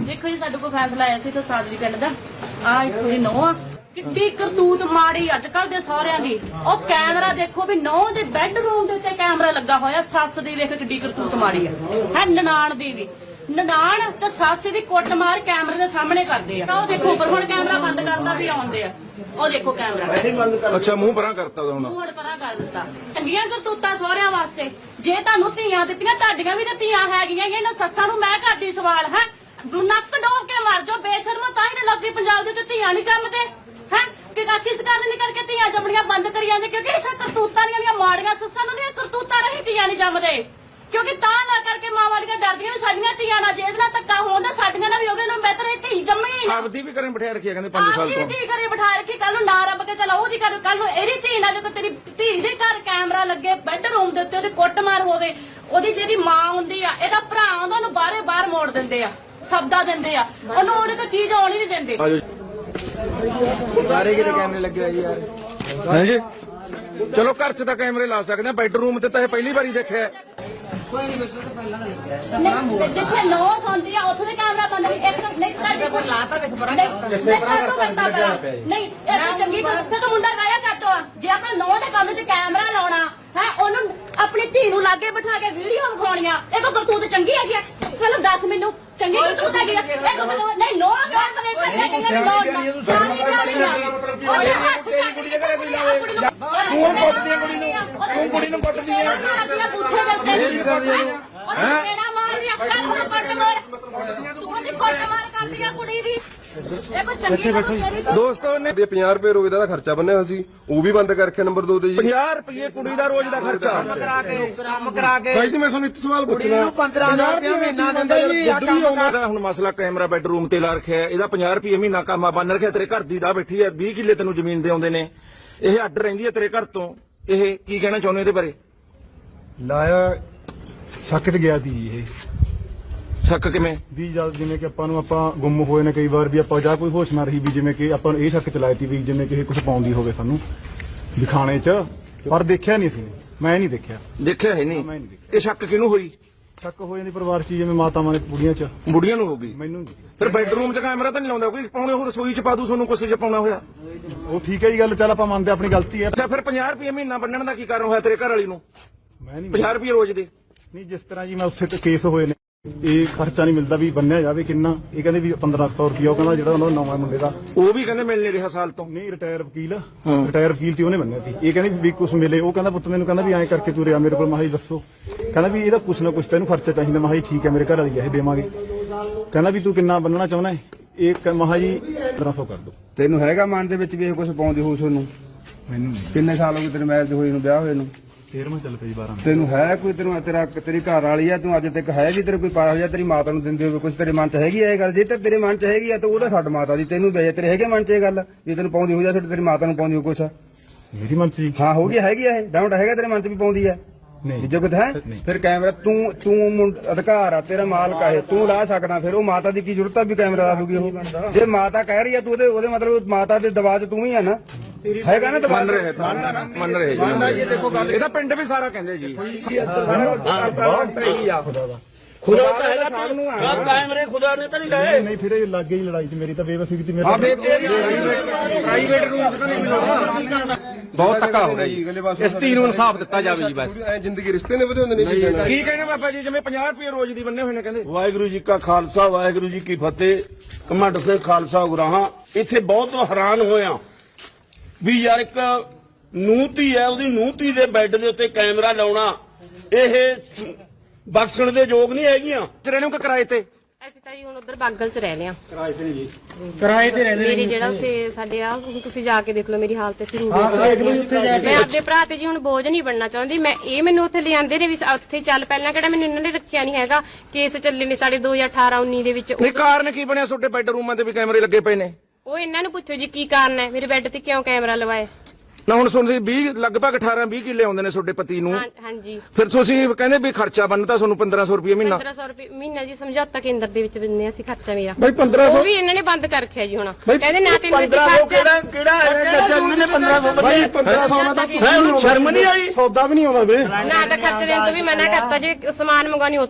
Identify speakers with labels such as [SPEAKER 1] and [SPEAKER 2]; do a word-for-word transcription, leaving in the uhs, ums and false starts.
[SPEAKER 1] देखो जी साडे कोल फैसला आया सी तो सादरी पिंड दा आ एक थोड़ी नौ आ किड्डी करतूत माड़ी अजकल दे सारिਆਂ ਦੀ ਉਹ ਕੈਮਰਾ ਦੇਖੋ ਵੀ ਨੌ ਦੇ ਬੈੱਡਰੂਮ ਦੇ ਉੱਤੇ ਕੈਮਰਾ ਲੱਗਾ ਹੋਇਆ ਸੱਸ ਦੀ ਵੇਖ ਕਿੱਡੀ ਕਰਤੂਤ ਮਾੜੀ ਆ ਹੈ ਨਨਾਣ ਦੀ ਵੀ ਨਨਾਣ ਤੇ ਸੱਸ ਦੀ ਕੁੱਟ ਮਾਰ ਕੈਮਰੇ ਦੇ ਸਾਹਮਣੇ ਕਰਦੇ ਆ ਉਹ ਦੇਖੋ ਪਰ ਹੁਣ ਕੈਮਰਾ ਬੰਦ ਕਰਦਾ ਵੀ ਆਉਂਦੇ ਆ ਉਹ ਦੇਖੋ ਕੈਮਰਾ
[SPEAKER 2] ਅੱਛਾ ਮੂੰਹ ਪਰਾਂ ਕਰਤਾ ਹੁਣ
[SPEAKER 1] ਮੂੰਹ ਪਰਾਂ ਕਰ ਦਿੱਤਾ ਚੰਗੀਆਂ ਕਰਤੂਤਾਂ ਸਹੁਰਿਆਂ ਵਾਸਤੇ ਜੇ ਤੁਹਾਨੂੰ ਧੀਆਂ ਦਿੱਤੀਆਂ ਤੁਹਾਡੀਆਂ ਵੀ ਤਾਂ ਧੀਆਂ ਹੈਗੀਆਂ ਇਹਨਾਂ ਸੱਸਾਂ ਨੂੰ ਮੈਂ ਕਰਦੀ ਸਵਾਲ ਹੈ ਨੱਕ ਡੋਬ ਕੇ ਮਰ ਜਾਓ ਬੇਸ਼ਰਮ ਤਾਂ ਹੀ ਲੱਗੀ ਪੰਜਾਬ ਦੇ ਉੱਤੇ ਧੀਆਂ ਨਹੀਂ ਜੰਮਦੇ ਹੈ ਕਿ ਕਿਸ ਕਾਰਨ ਨਹੀਂ ਕਰਕੇ ਧੀਆਂ ਜੰਮਣੀਆਂ ਬੰਦ ਕਰੀ ਜਾਂਦੇ ਕਿਉਂਕਿ ਇਸ ਕਰਤੂਤਾਂ ਦੀਆਂ ਮਾੜੀਆਂ ਸੱਸਾਂ ਨੂੰ ਦੀਆਂ ਕਰਤੂਤਾਂ ਰਹੀ ਧੀਆਂ ਨਹੀਂ ਜੰਮਦੇ ਕਿਉਂਕਿ ਤਾਂ ਨਾ ਕਰਕੇ ਮਾਂ ਵਾਲੀਆਂ ਡਰਦੀਆਂ ਵੀ ਸਾਡੀਆਂ ਧੀਆਂ ਨਾਲ ਜੇ ਨਾਲ ਧੱਕਾ ਹੋਣ ਸਾਡੀਆਂ ਨਾਲ ਵੀ ਉਹਦੇ ਨੂੰ ਬਿਹਤਰ ਧੀ ਜੰਮੀ ਨਾ
[SPEAKER 2] ਆਪਦੀ ਵੀ ਕਰੇ ਬਿਠਾ ਰੱਖਿਆ ਕਹਿੰਦੇ ਪੰਜ ਸਾਲ ਤੋਂ
[SPEAKER 1] ਧੀ ਘਰੇ ਬਿਠਾ ਰੱਖੀ ਕੱਲ ਨੂੰ ਨਾ ਰੱਬ ਕੇ ਚਲਾ ਉਹਦੀ ਕਰ ਕੱਲ ਨੂੰ ਇਹਦੀ ਧੀ ਨਾਲ ਜੇ ਤੇਰੀ ਧੀ ਦੇ ਘਰ ਕੈਮਰਾ ਲੱਗੇ ਬੈੱਡਰੂਮ ਦੇ ਉੱਤੇ ਉਹਦੀ ਕੁੱਟਮਾਰ ਹੋਵੇ ਉਹਦੀ ਜਿਹਦੀ ਮਾਂ ਹੁੰਦੀ ਆ ਇਹਦਾ ਭਰਾ ਉਹਨਾਂ ਨੂੰ ਬਾਹਰੇ ਬਾਹਰ ਮੋੜ ਦਿੰਦੇ ਆ ਸਬਦਾ ਦਿੰਦੇ ਆ ਉਹਨੂੰ ਉਹਦੇ ਤੋਂ ਚੀਜ਼ ਆਉਣੀ ਨਹੀਂ ਦਿੰਦੇ
[SPEAKER 3] ਸਾਰੇ ਕਿਤੇ ਕੈਮਰੇ ਲੱਗੇ ਹੋਏ ਜੀ ਯਾਰ
[SPEAKER 2] ਹਾਂਜੀ ਚਲੋ ਘਰ 'ਚ ਤਾਂ ਕੈਮਰੇ ਲਾ ਸਕਦੇ ਆ ਬੈਡਰੂਮ ਤੇ ਤਾਂ ਇਹ ਪਹਿਲੀ ਵਾਰੀ ਦੇਖਿਆ
[SPEAKER 1] ਜਿੱਥੇ ਨੌ ਸੌਂਦੀ ਆ ਉੱਥੇ ਕੈਮਰਾ ਬੰਦ ਇੱਕ ਨਹੀਂ ਸਾਡੇ ਕੋਲ ਲਾਤਾ ਦੇਖ ਪਰਾਂ ਨਹੀਂ ਇਹ ਚੰਗੀ ਗੱਲ ਤੇ ਤਾਂ ਮੁੰਡਾ ਗਾਇਆ ਕਰਤੋ ਜੇ ਆਪਾਂ ਨੌ ਦੇ ਕੰਮ 'ਚ ਕੈਮਰਾ ਲਾਉਣਾ ਹੈ ਉਹਨੂੰ ਆਪਣੀ ਧੀ ਨੂੰ ਲਾਗੇ ਬਿਠਾ ਕੇ ਵੀਡੀਓ ਵਿਖਾਉਣੀਆਂ ਇਹ ਕੋ ਕਰਤੂਤ ਚੰਗੀ ਹੈਗੀ ਆ ਚਲੋ ਦੱਸ ਮੈਨੂੰ ਚੰਗੀ ਕਰਤੂਤ ਹੈਗੀ ਆ ਨਹੀਂ ਨੌ ਗੱਲ ਪਲੇਟ ਤੇ ਕਹਿੰਦੇ ਨੌ ਸਾਰੀ ਉਹਦੇ ਹੱਥ ਤੇਰੀ ਕੁੜੀ ਦੇ ਘਰੇ ਕੋਈ ਲਾਵੇ ਤੂੰ ਕੁੱਟਦੀ ਕੁੜੀ ਨੂੰ ਤੂੰ ਕੁੜੀ ਨੂੰ ਕੁੱਟਦੀ ਹੈ ਪੁੱਛੇ ਕਰਦੇ ਹੈ ਮੇਰਾ ਮਾਰ ਦੀ ਅੱਖਾਂ ਨੂੰ ਕੱਟ ਮਾਰ ਤੂੰ ਉਹਦੀ ਕੁੱਟ ਮਾਰ ਕਰਦੀ ਆ ਕੁੜੀ ਦੀ ਇਹ ਕੋਈ ਚੰਗੀ
[SPEAKER 2] ਦੋਸਤੋ ਨੇ
[SPEAKER 4] ਪੰਜਾਹ ਰੁਪਏ ਰੋਜ਼ ਦਾ ਖਰਚਾ ਬੰਨਿਆ ਹੋਇਆ ਸੀ ਉਹ ਵੀ ਬੰਦ ਕਰਕੇ ਨੰਬਰ ਦੋ ਤੇ ਜੀ
[SPEAKER 2] ਪੰਜਾਹ ਰੁਪਏ ਕੁੜੀ ਦਾ ਰੋਜ਼ ਦਾ ਖਰਚਾ
[SPEAKER 3] ਕਰਾ ਕੇ ਕੰਮ ਕਰਾ ਕੇ
[SPEAKER 4] ਭਾਈ ਜੀ ਮੈਂ ਤੁਹਾਨੂੰ ਇੱਕ ਸਵਾਲ ਪੁੱਛਣਾ
[SPEAKER 3] ਪੰਦਰਾਂ ਹਜ਼ਾਰ ਰੁਪਏ ਮਹੀਨਾ ਦਿੰਦੇ ਜੀ
[SPEAKER 2] ਹੁਣ ਮਸਲਾ ਕੈਮਰਾ ਬੈਡਰੂਮ ਤੇ ਲਾ ਰੱਖਿਆ ਇਹਦਾ ਪੰਜਾਹ ਰੁਪਏ ਮਹੀਨਾ ਕੰਮ ਬੰਨ ਰੱਖਿਆ ਤੇਰੇ ਘਰ ਦੀ ਦਾ ਬੈਠੀ ਹੈ ਵੀਹ ਕਿੱਲੇ ਤੈਨੂੰ ਜ਼ਮੀਨ ਦੇ ਆਉਂਦੇ ਨੇ ਇਹ ਅੱਡ ਰਹਿੰਦੀ ਹੈ ਤੇਰੇ ਘਰ ਤੋਂ ਇਹ ਕੀ ਕਹਿਣਾ ਚਾਹੁੰਦੇ ਇਹਦੇ ਬਾਰੇ
[SPEAKER 5] ਲਾਇਆ ਸ਼ੱਕ 'ਚ ਗਿਆ ਸੀ ਇਹ
[SPEAKER 2] ਸ਼ੱਕ ਕਿਵੇਂ
[SPEAKER 5] ਵੀ ਜਦ ਜਿਵੇਂ ਕਿ ਆਪਾਂ ਨੂੰ ਆਪਾਂ ਗੁੰਮ ਹੋਏ ਨੇ ਕਈ ਵਾਰ ਵੀ ਆਪਾਂ ਜਾਂ ਕੋਈ ਹੋਸ਼ ਨਾ ਰਹੀ ਵੀ ਜਿਵੇਂ ਕਿ ਆਪਾਂ ਨੂੰ ਇਹ ਸ਼ੱਕ ਚਲਾਈ ਤੀ ਵੀ ਜਿਵੇਂ ਕਿ ਇਹ ਕੁਝ ਪਾਉਂਦੀ ਹੋਵੇ ਸਾਨੂੰ ਦਿਖਾਣੇ 'ਚ ਪਰ ਦੇਖਿਆ ਨਹੀਂ ਸੀ ਮੈਂ ਨਹੀਂ ਦੇਖਿਆ
[SPEAKER 2] ਦੇਖਿਆ ਹੈ ਨਹੀਂ
[SPEAKER 5] ਮੈਂ ਨਹੀਂ ਦੇਖਿਆ
[SPEAKER 2] ਇਹ ਸ਼ੱਕ ਕਿਹਨੂੰ ਹੋਈ
[SPEAKER 5] ਸ਼ੱਕ ਹੋ ਜਾਂਦੀ ਪਰਿਵਾਰ 'ਚ ਜਿਵੇਂ ਮਾਤਾਵਾਂ ਨੇ ਬੁੜੀਆਂ 'ਚ
[SPEAKER 2] ਬੁੜੀਆਂ ਨੂੰ ਹੋ ਗਈ
[SPEAKER 5] ਮੈਨੂੰ
[SPEAKER 2] ਫਿਰ ਬੈਡਰੂਮ 'ਚ ਕੈਮਰਾ ਤਾਂ ਨਹੀਂ ਲਾਉਂਦਾ ਕੋਈ ਪਾਉਣੇ ਹੋਰ ਰਸੋਈ 'ਚ ਪਾ ਦੂ ਤੁਹਾਨੂੰ ਕੁਛ 'ਚ ਪਾਉਣਾ ਹੋਇਆ
[SPEAKER 5] ਉਹ ਠੀਕ ਹੈ ਜੀ ਗੱਲ ਚੱਲ ਆਪਾਂ ਮੰਨਦੇ ਆਪਣੀ ਗਲਤੀ ਹੈ
[SPEAKER 2] ਅੱਛਾ ਫਿਰ ਪੰਜਾਹ ਰੁਪਏ ਮਹੀਨਾ ਬੰਨਣ ਦਾ ਕੀ ਕਾਰਨ ਹੋਇਆ ਤੇਰੇ ਘਰ ਵਾਲੀ ਨੂੰ
[SPEAKER 5] ਮੈਂ ਨਹੀਂ
[SPEAKER 2] ਪੰਜਾਹ ਰੁਪਏ ਰੋਜ਼ ਦੇ
[SPEAKER 5] ਨਹੀਂ ਜਿਸ ਤਰ੍ਹਾਂ ਜੀ ਮੈਂ ਉੱਥੇ ਤੇ ਕੇਸ ਹੋਏ ਨੇ ਇਹ ਖਰਚਾ ਨਹੀਂ ਮਿਲਦਾ ਵੀ ਬੰਨਿਆ ਜਾਵੇ ਕਿੰਨਾ ਇਹ ਕਹਿੰਦੇ ਵੀ ਪੰਦਰਾਂ ਸੌ ਰੁਪਇਆ ਉਹ ਕਹਿੰਦਾ ਜਿਹੜਾ ਉਹਨਾਂ ਦਾ ਨਵਾਂ ਮੁੰਡੇ ਦਾ
[SPEAKER 2] ਉਹ ਵੀ ਕਹਿੰਦੇ ਮਿਲ ਨਹੀਂ ਰਿਹਾ ਸਾਲ ਤੋਂ
[SPEAKER 5] ਨਹੀਂ ਰਿਟਾਇਰ ਵਕੀਲ ਰਿਟਾਇਰ ਵਕੀਲ ਤੇ ਉਹਨੇ ਬੰਨਿਆ ਸੀ ਇਹ ਕਹਿੰਦੇ ਵੀ ਕੁਛ ਮਿਲੇ ਉਹ ਕਹਿੰਦਾ ਪੁੱਤ ਮੈਨੂੰ ਕਹਿੰਦਾ ਵੀ ਐਂ ਕਰਕੇ ਤੂੰ ਰਿਆ ਮੇਰੇ ਕੋਲ ਮਾਹੀ ਦੱਸੋ ਕਹਿੰਦਾ ਵੀ ਇਹਦਾ ਕੁਛ ਨਾ ਕੁਛ ਤੈਨੂੰ ਖਰਚਾ ਚਾਹੀਦਾ ਮਾਹੀ ਠੀਕ ਹੈ ਮੇਰੇ ਘਰ ਵਾਲੀ ਇਹ ਦੇਵਾਂਗੇ ਕਹਿੰਦਾ ਵੀ ਤੂੰ ਕਿੰਨਾ ਬੰਨਣਾ ਚਾਹੁੰਦਾ ਇਹ ਮਹਾ ਜੀ ਪੰਦਰਾਂ ਸੌ ਕਰ ਦੋ
[SPEAKER 6] ਤੈਨੂੰ ਹੈਗਾ ਮਨ ਦੇ ਵਿੱਚ ਵੀ ਇਹ ਕੁਝ ਪਾਉਂਦੀ ਹੋਊ ਤੁਹਾਨੂੰ
[SPEAKER 5] ਮੈਨੂੰ
[SPEAKER 6] ਕਿੰਨੇ ਸਾਲ ਹੋ ਗਏ ਤੇਰੇ ਮੈਰਿਜ ਹੋਈ ਨੂੰ ਵਿਆਹ ਹੋਏ ਨੂੰ
[SPEAKER 5] ਤੇਰਵਾਂ ਚੱਲ ਪਈ ਬਾਰਾਂ
[SPEAKER 6] ਤੈਨੂੰ ਹੈ ਕੋਈ ਤੈਨੂੰ ਤੇਰਾ ਤੇਰੀ ਘਰ ਵਾਲੀ ਆ ਤੂੰ ਅੱਜ ਤੱਕ ਹੈ ਵੀ ਤੇਰੇ ਕੋਈ ਪਾਇਆ ਹੋਇਆ ਤੇਰੀ ਮਾਤਾ ਨੂੰ ਦਿੰਦੇ ਹੋਵੇ ਕੁਝ ਤੇਰੇ ਮਨ 'ਚ ਹੈਗੀ ਆ ਇਹ ਗੱਲ ਜੇ ਤਾਂ ਤੇਰੇ ਮਨ 'ਚ ਹੈਗੀ ਆ ਤਾਂ ਉਹਦਾ ਛੱਡ ਮਾਤਾ ਦੀ ਤੈਨੂੰ ਵੇ ਤੇਰੇ ਹੈਗੇ ਮਨ 'ਚ ਇਹ ਗੱਲ ਜੇ ਤੈਨੂੰ ਪਾਉਂਦੀ ਹੋ ਜਾ ਤੇਰੀ ਮਾਤਾ ਨੂੰ ਪਾਉਂਦੀ ਹੋ ਕੁਛ
[SPEAKER 5] ਮੇਰੀ ਮਨ 'ਚ ਜੀ
[SPEAKER 6] ਹਾਂ ਹੋ ਗਈ ਹੈਗੀ ਆ ਇਹ ਡਾਊਟ ਹੈਗਾ ਤੇਰੇ ਮਨ 'ਚ ਵੀ ਪਾਉਂਦੀ ਆ
[SPEAKER 5] ਨਹੀਂ
[SPEAKER 6] ਜਗਤ ਹੈ ਫਿਰ ਕੈਮਰਾ ਤੂੰ ਤੂੰ ਅਧਿਕਾਰ ਆ ਤੇਰਾ ਮਾਲਕ ਆ ਇਹ ਤੂੰ ਲਾ ਸਕਦਾ ਫਿਰ ਉਹ ਮਾਤਾ ਦੀ ਕੀ ਜ਼ਰੂਰਤ ਆ ਵੀ ਕੈਮਰਾ ਲਾ ਦੂਗੀ ਉਹ ਜੇ ਮਾਤਾ ਕਹਿ ਰਹੀ ਆ ਤੂੰ ਉਹਦੇ ਉਹਦੇ ਮਤਲਬ ਮਾਤਾ ਦੇ ਦਬਾਅ 'ਚ ਤੂੰ ਹੀ ਆ ਨਾ ਹੈਗਾ ਨਾ ਦਬਾਅ
[SPEAKER 2] ਮੰਨ ਰਹੇ ਮੰਨ ਰਹੇ ਜੀ ਇਹਦਾ ਪਿੰਡ ਵੀ ਸਾਰਾ ਕਹਿੰਦੇ ਜੀ
[SPEAKER 6] ਖੁਦਾ ਤਾਂ ਹੈਗਾ ਸਭ ਨੂੰ ਆ
[SPEAKER 3] ਕੈਮਰੇ ਖੁਦਾ ਨੇ ਤਾਂ ਨਹੀਂ ਲਾਏ
[SPEAKER 5] ਨਹੀਂ ਫਿਰ ਇਹ ਲੱਗੇ ਹੀ ਲੜਾਈ 'ਚ ਮੇਰੀ ਤਾਂ ਬੇਵਸੀ ਕੀਤੀ
[SPEAKER 6] ਹਾਂ
[SPEAKER 5] ਮੇਰੇ
[SPEAKER 6] ਪ੍ਰਾਈਵੇਟ ਰੂਮ 'ਚ ਤਾਂ ਨਹੀਂ ਮਿਲਦਾ
[SPEAKER 4] ਬਹੁਤ ਧੱਕਾ ਹੋ ਰਿਹਾ ਜੀ
[SPEAKER 3] ਇਸ ਧੀ ਨੂੰ ਇਨਸਾਫ ਦਿੱਤਾ ਜਾਵੇ ਜੀ ਬਸ
[SPEAKER 4] ਐ ਜ਼ਿੰਦਗੀ ਰਿਸ਼ਤੇ ਨੇ ਵਧਾਉਂਦੇ ਨੇ ਜੀ
[SPEAKER 2] ਕੀ ਕਹਿੰਦੇ ਬਾਬਾ ਜੀ ਜਿਵੇਂ ਪੰਜਾਹ ਰੁਪਏ ਰੋਜ਼ ਦੀ ਬੰਨੇ ਹੋਏ ਨੇ ਕਹਿੰਦੇ
[SPEAKER 7] ਵਾਹਿਗੁਰੂ ਜੀ ਕਾ ਖਾਲਸਾ ਵਾਹਿਗੁਰੂ ਜੀ ਕੀ ਫਤਿਹ ਕਮੰਡ ਸਿੰਘ ਖਾਲਸਾ ਉਗਰਾਹਾਂ ਇੱਥੇ ਬਹੁਤ ਹੈਰਾਨ ਹੋਇਆ ਵੀ ਯਾਰ ਇੱਕ ਨੂੰਹ-ਧੀ ਹੈ ਉਹਦੀ ਨੂੰਹ-ਧੀ ਦੇ ਬੈੱਡ ਦੇ ਉੱਤੇ ਕੈਮਰਾ ਲਾਉਣਾ ਇਹ ਬਖਸ਼ਣ ਦੇ ਯੋਗ ਨਹੀਂ ਹੈਗੀਆਂ
[SPEAKER 2] ਤੇਰੇ ਨੂੰ ਕਿ ਕਿਰਾਏ ਤੇ
[SPEAKER 8] ਅਸੀਂ ਤਾਂ ਜੀ ਹੁਣ ਉਧਰ ਬਾਗਲ ਚ ਰਹਿੰਦੇ ਆ
[SPEAKER 5] ਕਿਰਾਏ ਤੇ ਜੀ
[SPEAKER 3] ਕਿਰਾਏ ਤੇ ਰਹਿੰਦੇ
[SPEAKER 8] ਮੇਰੀ ਜਿਹੜਾ ਉੱਥੇ ਸਾਡੇ ਆ ਤੁਸੀਂ ਜਾ ਕੇ ਦੇਖ ਲਓ ਮੇਰੀ ਹਾਲਤ ਅਸੀਂ ਮੈਂ ਆਪਦੇ ਭਰਾ ਤੇ ਜੀ ਹੁਣ ਬੋਝ ਨਹੀਂ ਬਣਨਾ ਚਾਹੁੰਦੀ ਮੈਂ ਇਹ ਮੈਨੂੰ ਉੱਥੇ ਲਿਆਂਦੇ ਨੇ ਵੀ ਉੱਥੇ ਚੱਲ ਪਹਿਲਾਂ ਕਿਹੜਾ ਮੈਨੂੰ ਇਹਨਾਂ ਨੇ ਰੱਖਿਆ ਨਹੀਂ ਹੈਗਾ ਕੇਸ ਚੱਲੇ ਨੇ ਸਾਡੇ ਦੋ ਹਜ਼ਾਰ ਅਠਾਰਾਂ ਉੱਨੀ ਦੇ ਵਿੱਚ
[SPEAKER 2] ਨਹੀਂ ਕਾਰਨ ਕੀ ਬਣਿਆ ਤੁਹਾਡੇ ਬੈਡਰੂਮਾਂ ਤੇ ਵੀ ਕੈਮਰੇ ਲੱਗੇ ਪਏ ਨੇ
[SPEAKER 8] ਉਹ ਇਹਨਾਂ ਨੂੰ ਪੁੱਛੋ ਜੀ ਕੀ ਕਾਰਨ ਹੈ ਮੇਰੇ ਬੈੱਡ ਤੇ ਕਿਉਂ ਕੈਮਰਾ ਲਵਾਏ
[SPEAKER 2] ਨਾ ਹੁਣ ਸੁਣਦੇ ਵੀਹ ਲਗਭਗ ਅਠਾਰਾਂ ਵੀਹ ਕਿੱਲੇ ਆਉਂਦੇ ਨੇ ਤੁਹਾਡੇ ਪਤੀ ਨੂੰ
[SPEAKER 8] ਹਾਂਜੀ
[SPEAKER 2] ਫਿਰ ਤੁਸੀਂ ਕਹਿੰਦੇ ਵੀ ਖਰਚਾ ਬੰਨਤਾ ਤੁਹਾਨੂੰ ਪੰਦਰਾਂ ਸੌ ਰੁਪਏ ਮਹੀਨਾ
[SPEAKER 8] ਪੰਦਰਾਂ ਸੌ ਰੁਪਏ ਮਹੀਨਾ ਜੀ ਸਮਝੌਤਾ ਕੇਂਦਰ ਦੇ ਵਿੱਚ ਦਿੰਦੇ ਅਸੀਂ ਖਰਚਾ ਮੇਰਾ
[SPEAKER 7] ਬਈ ਪੰਦਰਾਂ ਸੌ
[SPEAKER 8] ਉਹ ਵੀ ਇਹਨਾਂ ਨੇ ਬੰਦ ਕਰ ਰੱਖਿਆ ਜੀ ਹੁਣ ਕਹਿੰਦੇ ਨਾ ਤੈਨੂੰ ਅਸੀਂ
[SPEAKER 7] ਪੰਦਰਾਂ ਸੌ
[SPEAKER 8] ਖਰਚਾ
[SPEAKER 7] ਕਿਹੜਾ ਕਿਹੜਾ ਹੈਗਾ ਖਰਚਾ ਇਹਨਾਂ ਨੇ ਪੰਦਰਾਂ ਸੌ
[SPEAKER 5] ਭਾਈ ਪੰਦਰਾਂ ਸੌ ਨਾਲ ਤਾਂ
[SPEAKER 7] ਹੈ ਉਹਨੂੰ ਸ਼ਰਮ ਨਹੀਂ ਆਈ
[SPEAKER 5] ਸੌਦਾ ਵੀ ਨਹੀਂ ਆਉਂਦਾ ਵੇ
[SPEAKER 8] ਨਾ ਤਾਂ ਖਰਚ ਦੇਣ ਤੋਂ ਵੀ ਮਨਾ ਕਰਤਾ ਜੇ ਸਮਾਨ ਮੰਗਾਉਣੀ